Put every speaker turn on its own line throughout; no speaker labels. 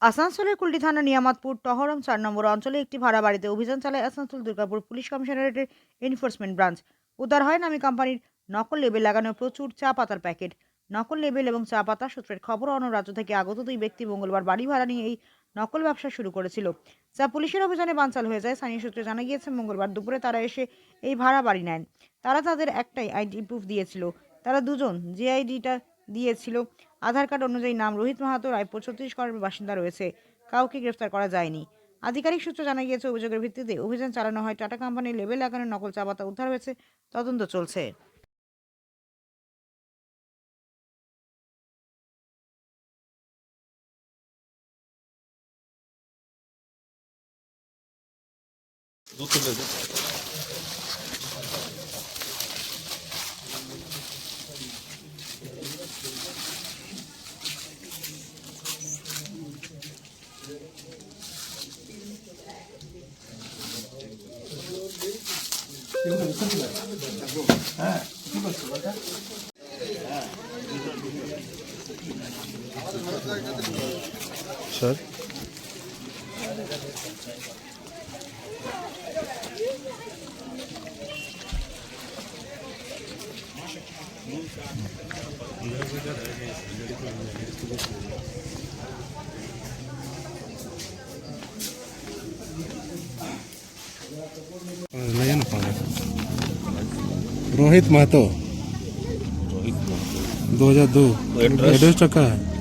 আসানসোলের কুলটি থানা নিয়ামতপুর টহরম ৪ নম্বর অঞ্চলে একটি ভাড়া বাড়িতে অভিযান চালায় আসানসোল দুর্গাপুর পুলিশ কমিশনারেটের এনফোর্সমেন্ট ব্রাঞ্চ। উদ্ধার হয় নামী কোম্পানির নকল লেবেল লাগানো প্রচুর চা পাতার প্যাকেট। নকল লেবেল এবং চা পাতা সূত্রের খবর, অন্য রাজ্য থেকে আগত দুই ব্যক্তি মঙ্গলবার বাড়ি ভাড়া নিয়ে এই নকল ব্যবসা শুরু করেছিল, যা পুলিশের অভিযানে বানচাল হয়ে যায়। স্থানীয় সূত্রে জানা গিয়েছে, মঙ্গলবার দুপুরে তারা এসে এই ভাড়া বাড়ি নেন। তারা তাদের একটাই আইডি প্রুফ দিয়েছিল। তারা দুজন যে আইডিটা দিয়েছিল, আধার কার্ড অনুযায়ী নাম রোহিত মাহাতো, রায়পুর ছত্তিশগড়ের বাসিন্দা রয়েছে। কাউকে গ্রেফতার করা যায়নি। আধিকারিক সূত্রে জানা গিয়েছে, অভিযোগের ভিত্তিতে অভিযান চালানো হয়। টাটা কোম্পানির লেবেল লাগানো নকল চা পাতা উদ্ধার হয়েছে, তদন্ত চলছে।
স্যার, रोहित महतो 2002 एड्रेस टाका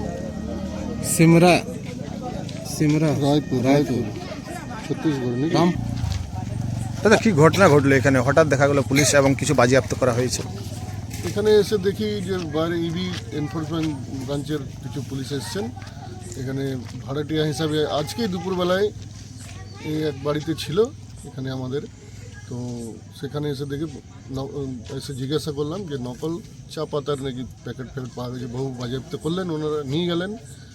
सिमरा सिमरा रायपुर छत्तीसगढ़ नाम।
দাদা, কি ঘটনা ঘটলো এখানে? হঠাৎ দেখা গেল পুলিশ এবং কিছু বাজেয়াপ্ত করা হয়েছে।
এখানে এসে দেখি যে বাইরে ইবি এনফোর্সমেন্ট ব্রাঞ্চের কিছু পুলিশ এসছেন এখানে ভাড়াটিয়া হিসাবে। আজকেই দুপুরবেলায় এই এক বাড়িতে ছিল এখানে আমাদের, তো সেখানে এসে দেখি এসে জিজ্ঞাসা করলাম যে নকল চা পাতার নাকি প্যাকেট পাওয়া গেছে। বহু বাজেয়াপ্ত করলেন, ওনারা নিয়ে গেলেন।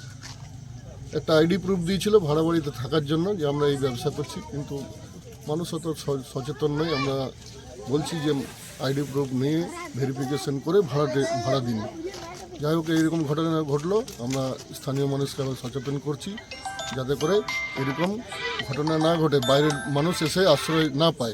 একটা আইডি প্রুফ দিয়েছিল ভাড়া বাড়িতে থাকার জন্য, যে আমরা এই ব্যবসা করছি, কিন্তু মানুষ অত সচেতন নয়। আমরা বলছি যে আইডি প্রুফ নিয়ে ভেরিফিকেশন করে ভাড়া দিন। যাই হোক, এইরকম ঘটনা ঘটলো। আমরা স্থানীয় মানুষকে আবার সচেতন করছি যাতে করে এরকম ঘটনা না ঘটে, বাইরের মানুষ এসে আশ্রয় না পায়।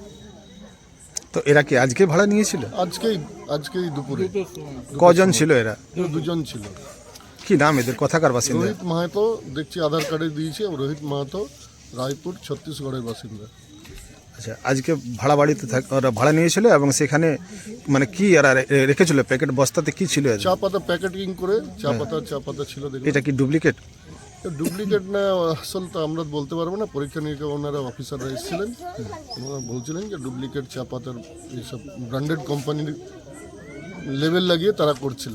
তো এরা কি আজকে ভাড়া নিয়েছিল?
আজকেই দুপুরে।
কজন ছিল এরা?
দুজন ছিল।
কি নাম এদের? কথাকার বাসিন্দা?
রোহিত মাহাতো, দেখছি আধার কার্ডে দিয়েছে। রোহিত মাহাতো, রায়পুর ছত্তিশগড়ের বাসিন্দা।
আচ্ছা, আজকে ভাড়া বাড়িতে ওরা ভাড়া নিয়েছিল এবং সেখানে মানে কি এরা রেখেছিল? প্যাকেট বস্তাতে কি ছিল?
চা পাতা প্যাকেটিং করে চা পাতা ছিল।
এটা কি ডুপ্লিকেট?
ডুপ্লিকেট না আসল তো আমরা বলতে পারবো না। পরীক্ষা নিরীক্ষা ওনারা অফিসাররা এসেছিলেন, ওনারা বলছিলেন যে ডুপ্লিকেট চা পাতার এইসব ব্র্যান্ডেড কোম্পানির লেবেল লাগিয়ে তারা করছিল।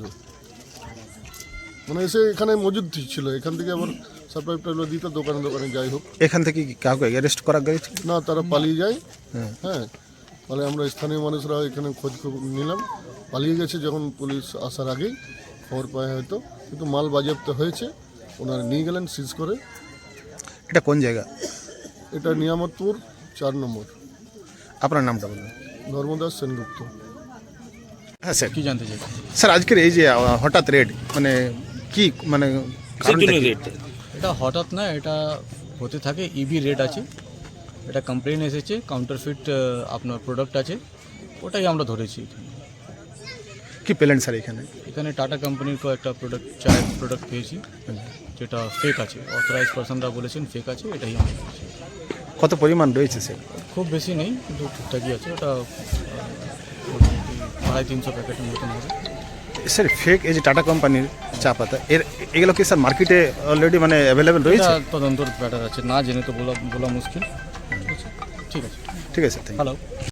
মানে এসে এখানে মজুদ ছিল, এখান থেকে আবার সাপ্লাই টাপ্লাই দিত দোকানে। যাই হোক,
এখান থেকে কি কাউকে অ্যারেস্ট করা গেছে?
না, তারা পালিয়ে যায়। হ্যাঁ, ফলে আমরা স্থানীয় মানুষরা এখানে খোঁজ খবর নিলাম। পালিয়ে গেছে যখন পুলিশ আসার আগেই খবর পায় হয়তো, কিন্তু মাল বাজেয়াপ্ত হয়েছে। ওনারা নিয়ে গেলেন সিজ করে।
এটা কোন জায়গা?
এটা নিয়ামতপুর 4 নম্বর।
আপনার নামটা বলুন।
ধর্মদাস সেনগুপ্ত।
হ্যাঁ স্যার,
কি জানতে চাই?
স্যার আজকের এই যে হঠাৎ রেড, মানে কি মানে কারণটা কি?
এটা হঠাৎ না, এটা হতে থাকে। ইবি রেট আছে, এটা কমপ্লেন এসেছে, কাউন্টারফিট আপনার প্রোডাক্ট আছে, ওটাই আমরা ধরেছি।
কি পেলেন স্যার এখানে?
এখানে টাটা কোম্পানির একটা চায়ের প্রোডাক্ট পেয়েছি, যেটা ফেক আছে। অথরাইজ পার্সনরা বলেছেন ফেক আছে, এটাই আমরা পেয়েছি।
কত পরিমাণ রয়েছে স্যার?
খুব বেশি নেই, কিন্তু ঠিকঠাকই আছে। ওটা 350 প্যাকেটের মতন হবে।
স্যার ফেক এই যে টাটা কোম্পানির চা পাতা, এগুলো কি স্যার মার্কেটে অলরেডি মানে অ্যাভেলেবেল রয়েছে?
তদন্তর ব্যাটার আছে, না জেনে তো বলা মুশকিল। ঠিক আছে,
ঠিক আছে, থ্যাংক ইউ।
হ্যালো।